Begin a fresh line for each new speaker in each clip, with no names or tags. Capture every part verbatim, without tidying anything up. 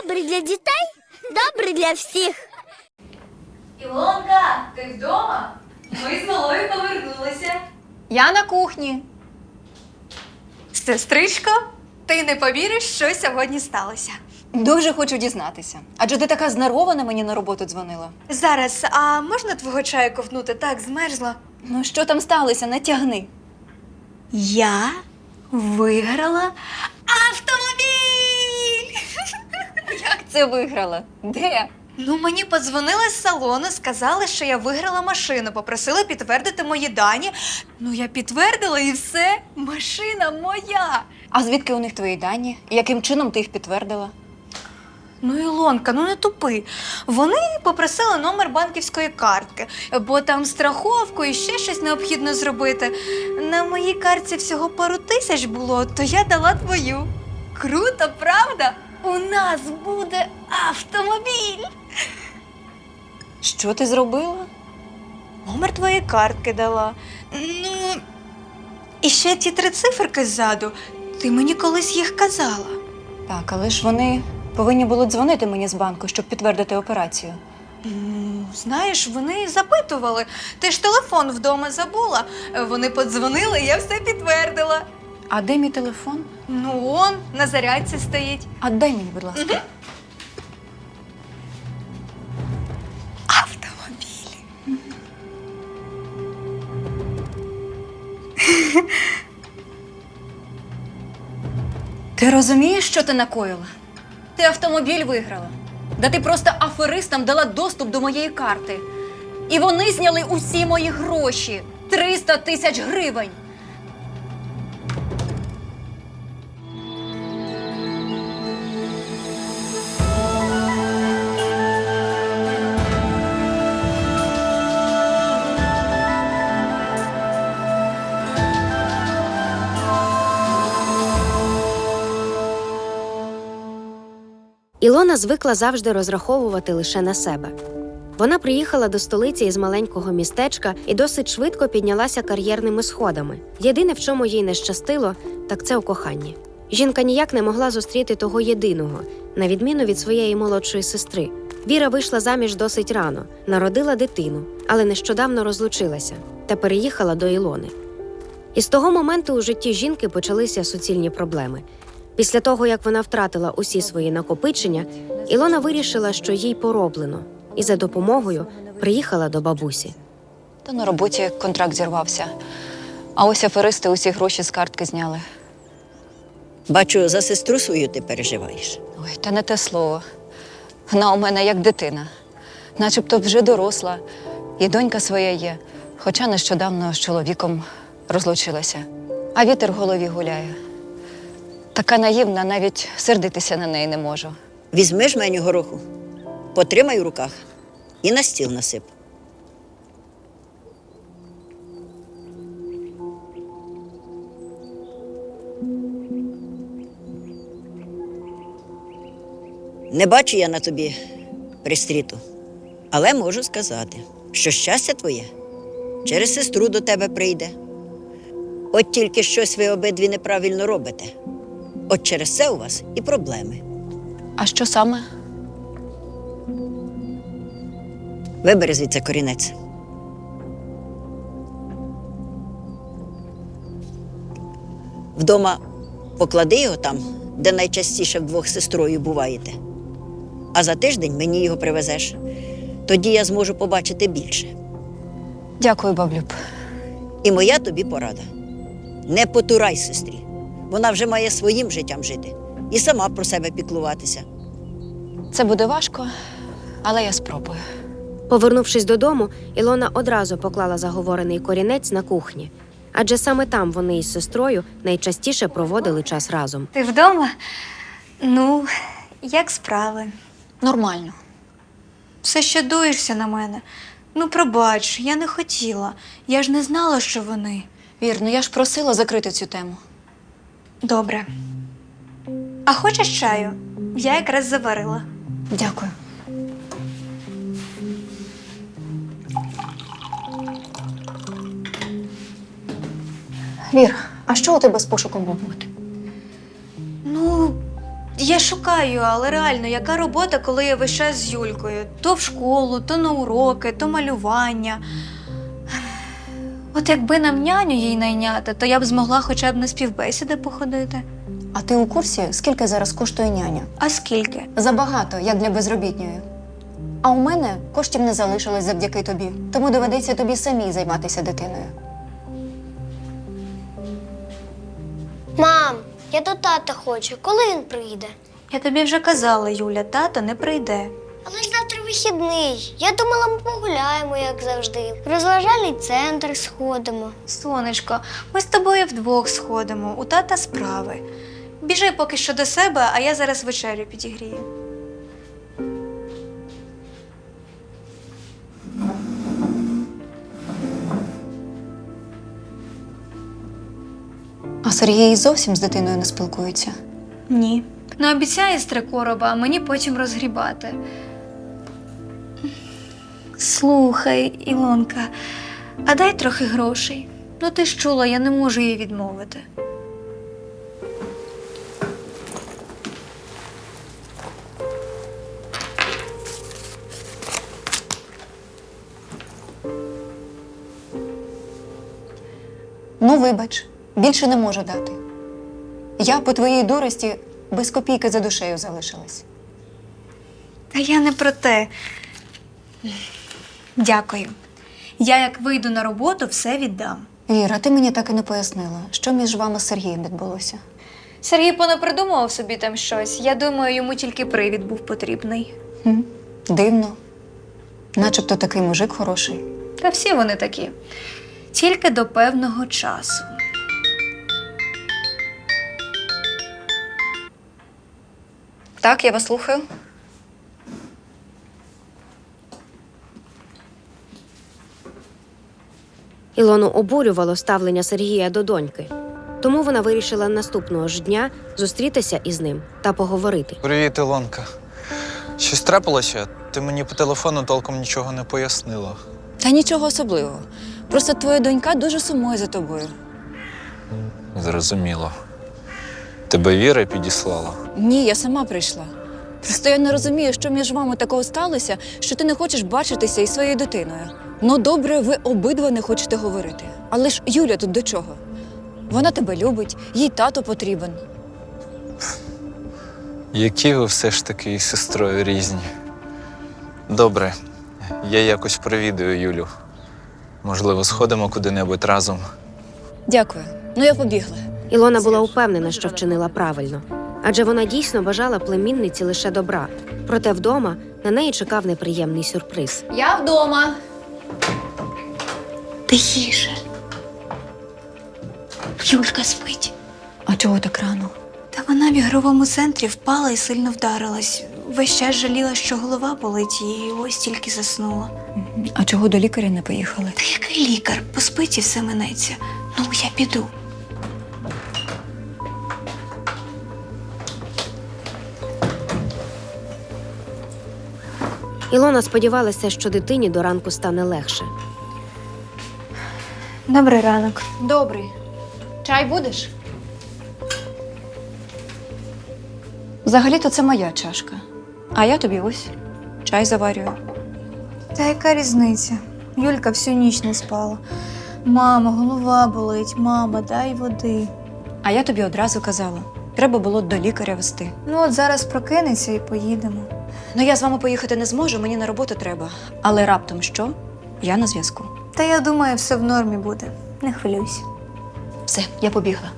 Добрий для дітей, добрий для всіх.
Ілонка, ти вдома? Ми з малою повернулися.
Я на кухні.
Сестричко, ти не повіриш, що сьогодні сталося.
Дуже хочу дізнатися. Адже ти така знервована мені на роботу дзвонила.
Зараз, а можна твого чаю ковтнути? Так, змерзла.
Ну що там сталося? Натягни.
Я виграла автомобіль!
Як це виграла? Де?
Ну, мені подзвонили з салону, сказали, що я виграла машину, попросили підтвердити мої дані. Ну, я підтвердила і все, машина моя.
А звідки у них твої дані? І яким чином ти їх підтвердила?
Ну, Ілонка, ну не тупи. Вони попросили номер банківської картки, бо там страховку і ще щось необхідно зробити. На моїй картці всього пару тисяч було, то я дала твою. Круто, правда? У нас буде автомобіль.
Що ти зробила?
Номер твоєї картки дала. Ну, і ще ті три циферки ззаду. Ти мені колись їх казала.
Так, але ж вони повинні були дзвонити мені з банку, щоб підтвердити операцію.
Ну, знаєш, вони запитували. Ти ж телефон вдома забула. Вони подзвонили, я все підтвердила.
А де мій телефон?
Ну, он на зарядці стоїть.
А дай мені, будь ласка.
Угу. Автомобіль.
Ти розумієш, що ти накоїла? Ти автомобіль виграла. Да ти просто аферистам дала доступ до моєї карти. І вони зняли усі мої гроші. триста тисяч гривень.
Ілона звикла завжди розраховувати лише на себе. Вона приїхала до столиці із маленького містечка і досить швидко піднялася кар'єрними сходами. Єдине, в чому їй не щастило, так це у коханні. Жінка ніяк не могла зустріти того єдиного, на відміну від своєї молодшої сестри. Віра вийшла заміж досить рано, народила дитину, але нещодавно розлучилася та переїхала до Ілони. І з того моменту у житті жінки почалися суцільні проблеми. Після того, як вона втратила усі свої накопичення, Ілона вирішила, що їй пороблено, і за допомогою приїхала до бабусі.
Та на роботі контракт зірвався. А ось аферисти усі гроші з картки зняли.
Бачу, за сестру свою ти переживаєш.
Ой, та не те слово. Вона у мене як дитина. Начебто вже доросла. І донька своя є. Хоча нещодавно з чоловіком розлучилася. А вітер в голові гуляє. Така наївна, навіть сердитися на неї не можу.
Візьми жменю гороху, потримай у руках і на стіл насип. Не бачу я на тобі пристріту, але можу сказати, що щастя твоє через сестру до тебе прийде. От тільки щось ви обидві неправильно робите. От через це у вас і проблеми.
А що саме?
Вибери звідси корінець. Вдома поклади його там, де найчастіше вдвох з сестрою буваєте. А за тиждень мені його привезеш. Тоді я зможу побачити більше.
Дякую, баблюб.
І моя тобі порада. Не потурай сестрі. Вона вже має своїм життям жити і сама про себе піклуватися.
Це буде важко, але я спробую.
Повернувшись додому, Ілона одразу поклала заговорений корінець на кухні. Адже саме там вони із сестрою найчастіше проводили час разом.
Ти вдома? Ну, як справи?
Нормально.
Все ще дуєшся на мене. Ну, пробач, я не хотіла. Я ж не знала, що вони.
Вірно, я ж просила закрити цю тему.
Добре. А хочеш чаю? Я якраз заварила.
Дякую. Вір, а що у тебе з пошуком роботи?
Ну, Я шукаю, але реально, яка робота, коли я весь час з Юлькою? То в школу, то на уроки, то малювання. От якби нам няню їй найняти, то я б змогла хоча б на співбесіди походити.
А ти у курсі, скільки зараз коштує няня?
А скільки?
Забагато, як для безробітньої. А у мене коштів не залишилось завдяки тобі, тому доведеться тобі самій займатися дитиною.
Мам, я до тата хочу. Коли він прийде?
Я тобі вже казала, Юля, тато не прийде.
Але ж завтра вихідний. Я думала, ми погуляємо, як завжди. В розважальний центр сходимо.
Сонечко, ми з тобою вдвох сходимо, у тата справи. Біжи поки що до себе, а я зараз вечерю підігрію.
А Сергій зовсім з дитиною не спілкується?
Ні. Не обіцяє з три короба, а мені потім розгрібати. Слухай, Ілонка, а дай трохи грошей. Ну ти ж чула, я не можу їй відмовити.
Ну, вибач, більше не можу дати. Я по твоїй дурості без копійки за душею залишилась.
Та я не про те. Дякую. Я як вийду на роботу, все віддам.
Віра, ти мені так і не пояснила, що між вами з Сергієм відбулося.
Сергій понапридумував собі там щось. Я думаю, йому тільки привід був потрібний.
Хм, дивно. Начебто такий мужик хороший.
Та всі вони такі. Тільки до певного часу.
Так, я вас слухаю.
Ілону обурювало ставлення Сергія до доньки. Тому вона вирішила наступного ж дня зустрітися із ним та поговорити.
Привіт, Ілонка. Щось трапилося? Ти мені по телефону толком нічого не пояснила.
Та нічого особливого. Просто твоя донька дуже сумує за тобою.
Зрозуміло. Тебе Віра підіслала?
Ні, я сама прийшла. Просто я не розумію, що між вами такого сталося, що ти не хочеш бачитися із своєю дитиною. Ну, добре, ви обидва не хочете говорити. Але ж Юля тут до чого? Вона тебе любить, їй тато потрібен.
Які ви все ж таки із сестрою різні. Добре, я якось провідаю Юлю. Можливо, сходимо куди-небудь разом.
Дякую. Ну, я побігла.
Ілона була упевнена, що вчинила правильно. Адже вона дійсно бажала племінниці лише добра. Проте вдома на неї чекав неприємний сюрприз.
Я вдома.
Тихіше. Юлька спить.
А чого так рано?
Та вона в ігровому центрі впала і сильно вдарилась. Весь час жаліла, що голова болить, і ось тільки заснула.
А чого до лікаря не поїхали?
Та який лікар? Поспить і все минеться. Ну, я піду.
Ілона сподівалася, що дитині до ранку стане легше.
Добрий ранок.
Добрий. Чай будеш? Взагалі-то це моя чашка. А я тобі ось чай заварюю.
Та яка різниця? Юлька всю ніч не спала. Мама, голова болить, мама, дай води.
А я тобі одразу казала. Треба було до лікаря вести.
Ну от зараз прокинеться і поїдемо.
Ну, я з вами поїхати не зможу, мені на роботу треба. Але раптом що? Я на зв'язку.
Та я думаю, все в нормі буде. Не хвилюйся.
Все, я побігла.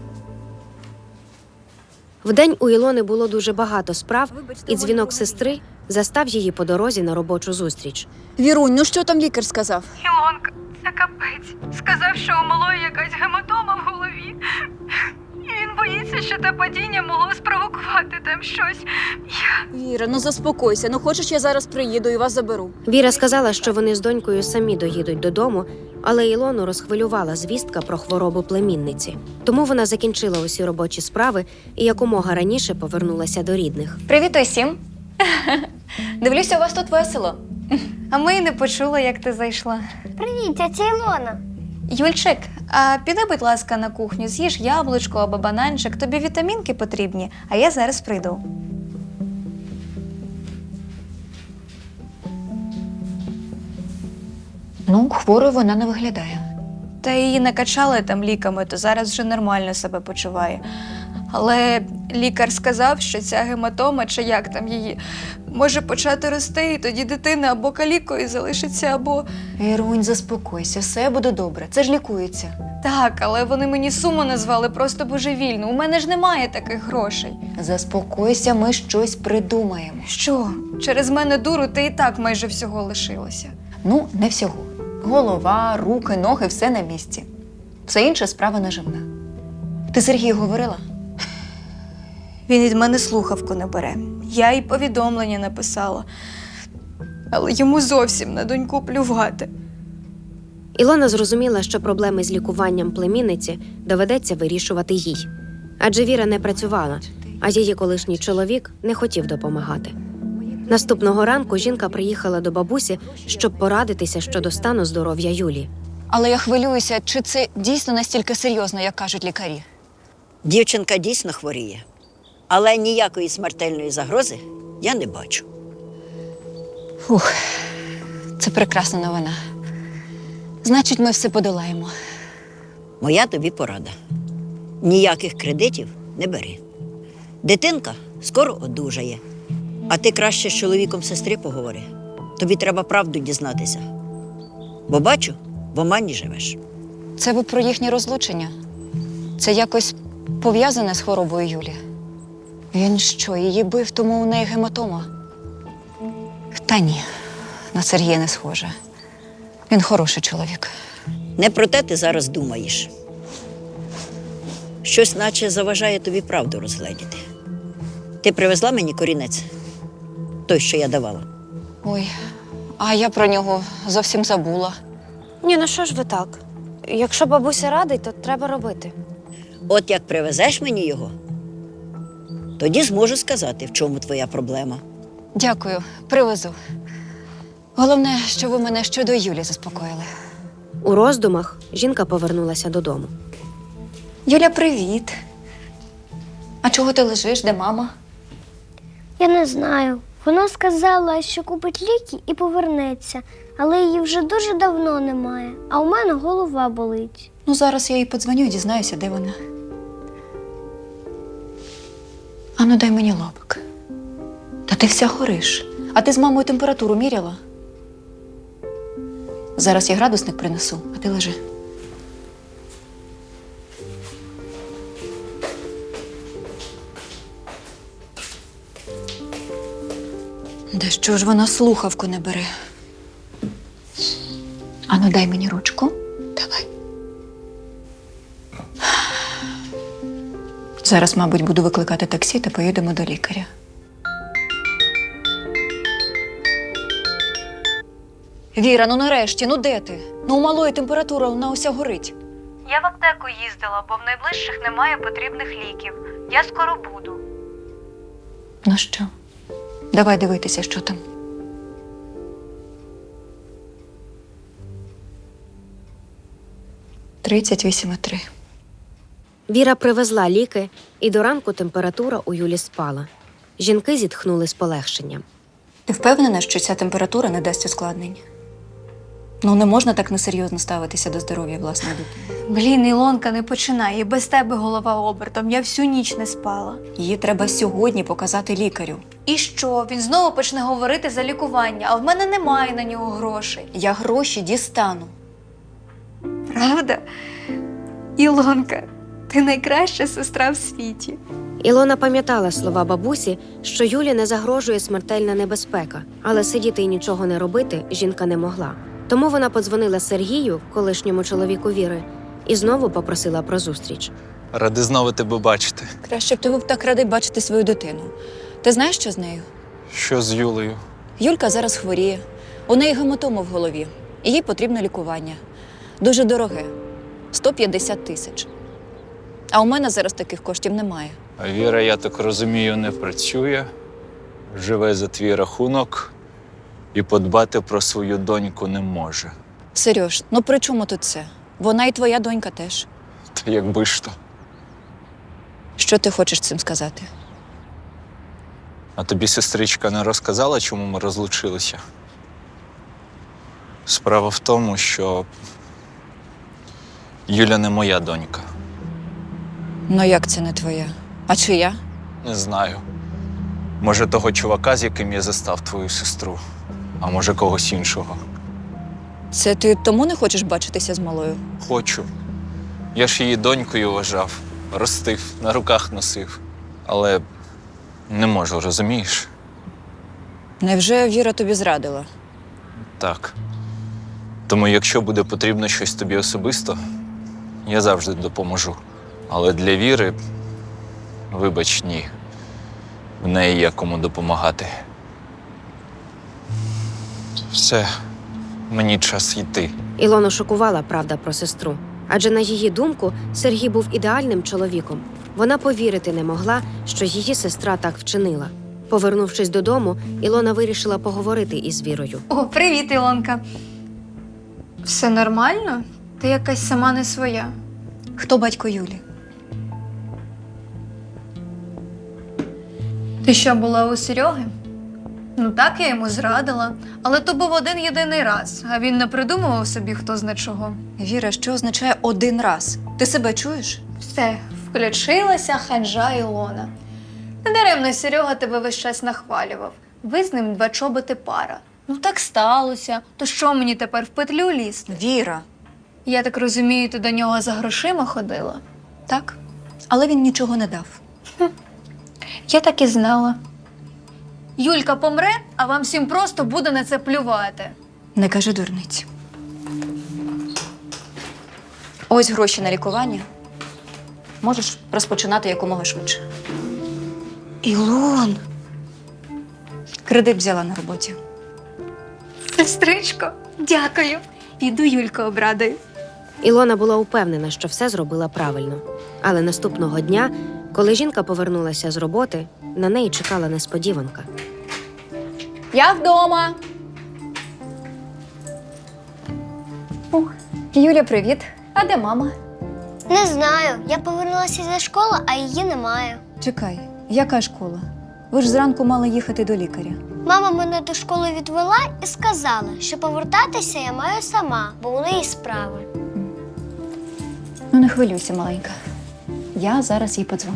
Вдень у Ілони було дуже багато справ, і дзвінок сестри застав її по дорозі на робочу зустріч.
Вірунь, ну що там лікар сказав?
Ілонка, це капець. Сказав, що у малої якась гематома в голові. І він боїться, що те падіння могло спровокувати там щось. Я...
Віра, ну заспокойся. Ну хочеш, я зараз приїду і вас заберу.
Віра сказала, що вони з донькою самі доїдуть додому, але Ілону розхвилювала звістка про хворобу племінниці. Тому вона закінчила усі робочі справи і якомога раніше повернулася до рідних.
Привіт усім. Дивлюся, у вас тут весело.
А ми й не почули, як ти зайшла.
Привіт, тетя Ілона.
Юльчик, а піди, будь ласка, на кухню, з'їж яблучко або бананчик. Тобі вітамінки потрібні, а я зараз прийду.
Ну, хворою вона не виглядає.
Та її накачали там ліками, то зараз вже нормально себе почуває. Але лікар сказав, що ця гематома, чи як там її, може почати рости, і тоді дитина або калікою залишиться, або…
Ірунь, заспокойся, все буде добре. Це ж лікується.
Так, але вони мені суму назвали просто божевільно. У мене ж немає таких грошей.
Заспокойся, ми щось придумаємо.
Що? Через мене дуру ти і так майже всього лишилося.
Ну, не всього. Голова, руки, ноги – все на місці. Все інше справа наживна. Ти Сергію говорила?
Він від мене слухавку не бере. Я їй повідомлення написала. Але йому зовсім на доньку плювати.
Ілона зрозуміла, що проблеми з лікуванням племінниці доведеться вирішувати їй. Адже Віра не працювала, а її колишній чоловік не хотів допомагати. Наступного ранку жінка приїхала до бабусі, щоб порадитися щодо стану здоров'я Юлі.
Але я хвилююся, чи це дійсно настільки серйозно, як кажуть лікарі.
Дівчинка дійсно хворіє, але ніякої смертельної загрози я не бачу.
Фух, це прекрасна новина. Значить, ми все подолаємо.
Моя тобі порада. Ніяких кредитів не бери. Дитинка скоро одужає. А ти краще з чоловіком сестри поговори. Тобі треба правду дізнатися. Бо бачу, в омані живеш.
Це ви про їхнє розлучення? Це якось пов'язане з хворобою Юлі? Він що, її бив, тому у неї гематома? Та ні, на Сергія не схоже. Він хороший чоловік.
Не про те ти зараз думаєш. Щось наче заважає тобі правду розгледіти. Ти привезла мені корінець? Той, що я давала.
Ой, а я про нього зовсім забула.
Ні, ну що ж ви так? Якщо бабуся радить, то треба робити.
От як привезеш мені його, тоді зможу сказати, в чому твоя проблема.
Дякую, привезу. Головне, що ви мене щодо Юлі заспокоїли.
У роздумах жінка повернулася додому.
Юля, привіт. А чого ти лежиш? Де мама?
Я не знаю. Вона сказала, що купить ліки і повернеться, але її вже дуже давно немає, а у мене голова болить.
Ну, зараз я їй подзвоню і дізнаюся, де вона. Ану, дай мені лобик. Та ти вся гориш. А ти з мамою температуру міряла? Зараз я градусник принесу, а ти лежи. Де що ж вона слухавку не бере? Ану, дай мені ручку. Давай. Зараз, мабуть, буду викликати таксі та поїдемо до лікаря. Віра, ну нарешті, ну де ти? Ну у малої температура, вона уся горить.
Я в аптеку їздила, бо в найближчих немає потрібних ліків. Я скоро буду.
Ну що? Давай дивитися, що там. тридцять вісім і три.
Віра привезла ліки, і до ранку температура у Юлі спала. Жінки зітхнули з полегшенням.
Ти впевнена, що ця температура не дасть ускладнень? Ну, не можна так несерйозно ставитися до здоров'я власної дитини.
Блін, Ілонка, не починай. І без тебе голова обертом. Я всю ніч не спала.
Її треба сьогодні показати лікарю.
І що? Він знову почне говорити за лікування, а в мене немає на нього грошей.
Я гроші дістану.
Правда? Ілонка, ти найкраща сестра в світі.
Ілона пам'ятала слова бабусі, що Юлі не загрожує смертельна небезпека, але сидіти і нічого не робити жінка не могла. Тому вона подзвонила Сергію, колишньому чоловіку Віри, і знову попросила про зустріч.
Ради знову тебе бачити.
Краще б ти був так радий бачити свою дитину. Ти знаєш, що з нею?
Що з Юлею?
Юлька зараз хворіє. У неї гематома в голові. І їй потрібне лікування. Дуже дороге. сто п'ятдесят тисяч. А у мене зараз таких коштів немає.
А Віра, я так розумію, не працює, живе за твій рахунок і подбати про свою доньку не може.
Серьож, ну при чому тут це? Вона і твоя донька теж.
Та якби ж то.
Що ти хочеш цим сказати?
А тобі сестричка не розказала, чому ми розлучилися? Справа в тому, що Юля не моя донька.
Ну як це не твоя? А чия?
Не знаю. Може, того чувака, з яким я застав твою сестру, а може когось іншого.
Це ти тому не хочеш бачитися з малою?
Хочу. Я ж її донькою вважав, ростив, на руках носив. Але не можу, розумієш?
Невже Віра тобі зрадила?
Так. Тому якщо буде потрібно щось тобі особисто, я завжди допоможу. Але для Віри, вибач, ні. В неї є кому допомагати. Все, мені час йти.
Ілону шокувала правда про сестру. Адже на її думку Сергій був ідеальним чоловіком. Вона повірити не могла, що її сестра так вчинила. Повернувшись додому, Ілона вирішила поговорити із Вірою.
О, привіт, Ілонка. Все нормально? Ти якась сама не своя.
Хто батько Юлі?
Ти що, була у Серьоги? Ну так, я йому зрадила. Але то був один єдиний раз, а він не придумував собі хто зна чого.
Віра, що означає один раз? Ти себе чуєш?
Все, включилася ханжа Ілона. Недаремно Серега тебе весь час нахвалював. Ви з ним два чоботи пара. Ну так сталося. То що мені тепер в петлю лізти?
Віра.
Я так розумію, ти до нього за грошима ходила?
Так. Але він нічого не дав.
Я так і знала. Юлька помре, а вам всім просто буде на це плювати.
Не кажи дурниць. Ось гроші на лікування. Можеш розпочинати якомога швидше.
Ілон!
Кредит взяла на роботі.
Сестричко, дякую. Піду Юльку обрадую.
Ілона була упевнена, що все зробила правильно. Але наступного дня, коли жінка повернулася з роботи, на неї чекала несподіванка.
Я вдома. Ух, Юля, привіт. А де мама?
Не знаю. Я повернулася зі школи, а її немає.
Чекай, яка школа? Ви ж зранку мали їхати до лікаря.
Мама мене до школи відвела і сказала, що повертатися я маю сама, бо у неї справи.
Ну не хвилюйся, маленька. Я зараз їй подзвоню.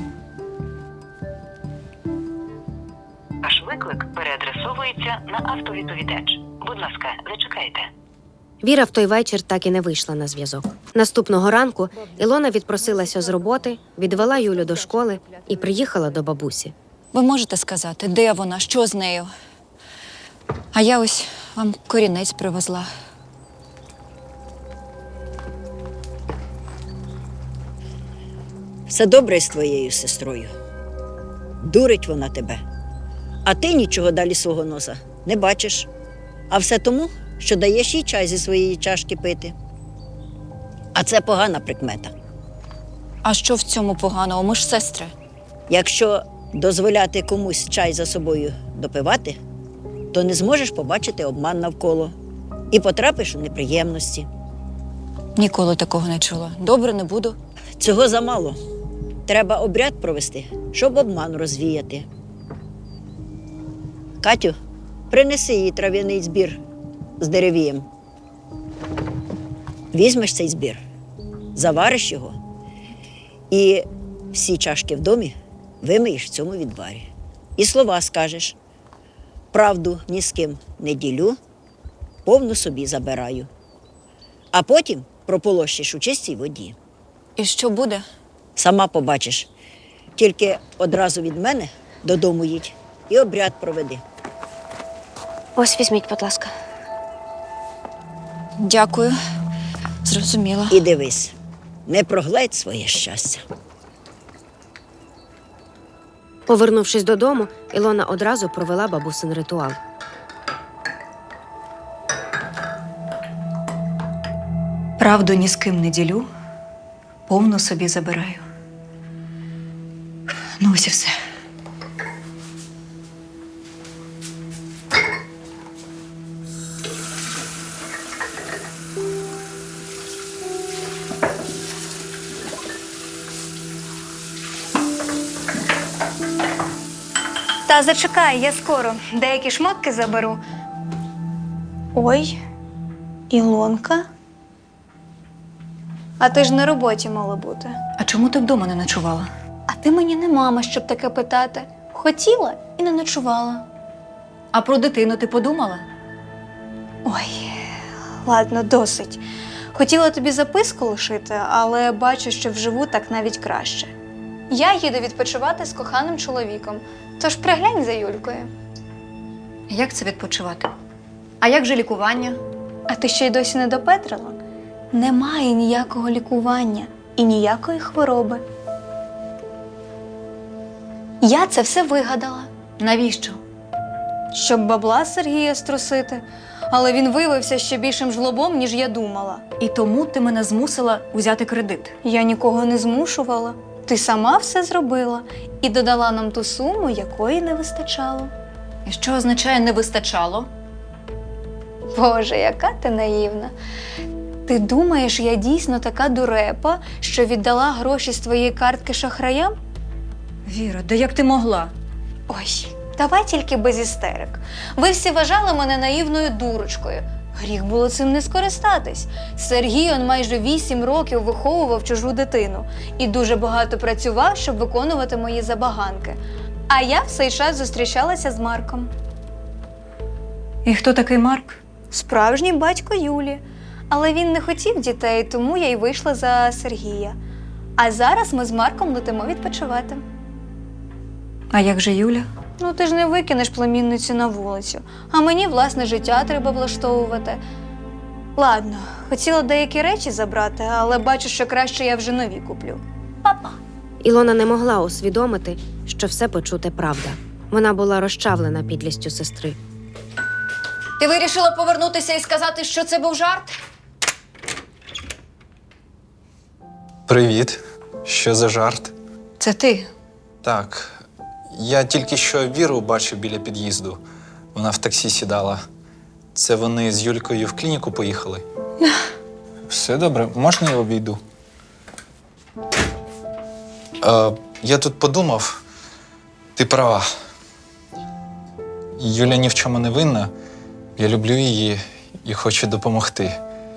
Ваш виклик переадресовується на автовідповідач. Будь ласка, зачекайте.
Віра в той вечір так і не вийшла на зв'язок. Наступного ранку Ілона відпросилася з роботи, відвела Юлю до школи і приїхала до бабусі.
Ви можете сказати, де вона, що з нею? А я ось вам корінець привезла.
Все добре з твоєю сестрою. Дурить вона тебе. А ти нічого далі свого носа не бачиш. А все тому, що даєш їй чай зі своєї чашки пити. А це погана прикмета.
А що в цьому поганого? Ми ж сестри.
Якщо дозволяти комусь чай за собою допивати, то не зможеш побачити обман навколо і потрапиш у неприємності.
Ніколи такого не чула. Добре, не буду.
Цього замало. Треба обряд провести, щоб обман розвіяти. Катю, принеси їй трав'яний збір з деревієм. Візьмеш цей збір, завариш його і всі чашки в домі вимиєш в цьому відварі. І слова скажеш: правду ні з ким не ділю, повну собі забираю. А потім прополощиш у чистій воді.
І що буде?
Сама побачиш. Тільки одразу від мене додому їдь і обряд проведи.
Ось візьміть, будь ласка.
Дякую. Зрозуміла.
І дивись, не прогледь своє щастя.
Повернувшись додому, Ілона одразу провела бабусин ритуал.
Правду ні з ким не ділю, повну собі забираю. Ну ось і все.
Та зачекай, я скоро. Деякі шмотки заберу. Ой, Ілонка? А ти ж на роботі мала бути.
А чому ти вдома не ночувала?
А ти мені не мама, щоб таке питати. Хотіла і не ночувала.
А про дитину ти подумала?
Ой, ладно, досить. Хотіла тобі записку лишити, але бачу, що вживу так навіть краще. Я їду відпочивати з коханим чоловіком, тож приглянь за Юлькою.
Як це відпочивати? А як же лікування?
А ти ще й досі не допетрила? Немає ніякого лікування і ніякої хвороби. Я це все вигадала.
Навіщо?
Щоб бабла Сергія струсити. Але він виявився ще більшим жлобом, ніж я думала.
І тому ти мене змусила узяти кредит.
Я нікого не змушувала. Ти сама все зробила і додала нам ту суму, якої не вистачало.
І що означає «не вистачало»?
Боже, яка ти наївна. Ти думаєш, я дійсно така дурепа, що віддала гроші з твоєї картки шахраям?
Віра, да як ти могла?
Ой, давай тільки без істерик. Ви всі вважали мене наївною дурочкою. Гріх було цим не скористатись. Сергій он майже вісім років виховував чужу дитину і дуже багато працював, щоб виконувати мої забаганки. А я в цей час зустрічалася з Марком.
І хто такий Марк?
Справжній батько Юлі. Але він не хотів дітей, тому я й вийшла за Сергія. А зараз ми з Марком летимо відпочивати.
А як же Юля?
Ну, ти ж не викинеш племінницю на вулицю, а мені власне життя треба влаштовувати. Ладно, хотіла деякі речі забрати, але бачу, що краще я вже нові куплю. Па-па!
Ілона не могла усвідомити, що все почуте правда. Вона була розчавлена підлістю сестри.
Ти вирішила повернутися і сказати, що це був жарт?
Привіт. Що за жарт?
Це ти.
Так. Я тільки що Віру бачив біля під'їзду. Вона в таксі сідала. Це вони з Юлькою в клініку поїхали? Все добре, можна я обійду? Е, я тут подумав, ти права. Юля ні в чому не винна. Я люблю її і хочу допомогти.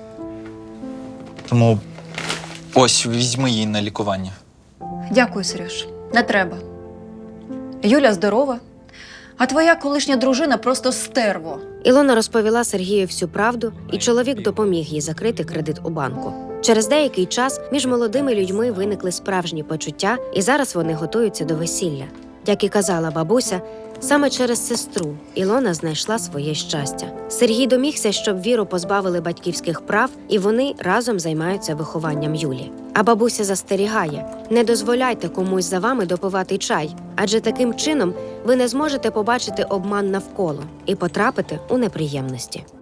Тому ось візьми її на лікування.
Дякую, Сереж. Не треба. Юля здорова, а твоя колишня дружина просто стерво.
Ілона розповіла Сергію всю правду, і чоловік допоміг їй закрити кредит у банку. Через деякий час між молодими людьми виникли справжні почуття, і зараз вони готуються до весілля. Як і казала бабуся, саме через сестру Ілона знайшла своє щастя. Сергій домігся, щоб Віру позбавили батьківських прав, і вони разом займаються вихованням Юлі. А бабуся застерігає: не дозволяйте комусь за вами допивати чай, адже таким чином ви не зможете побачити обман навколо і потрапити у неприємності.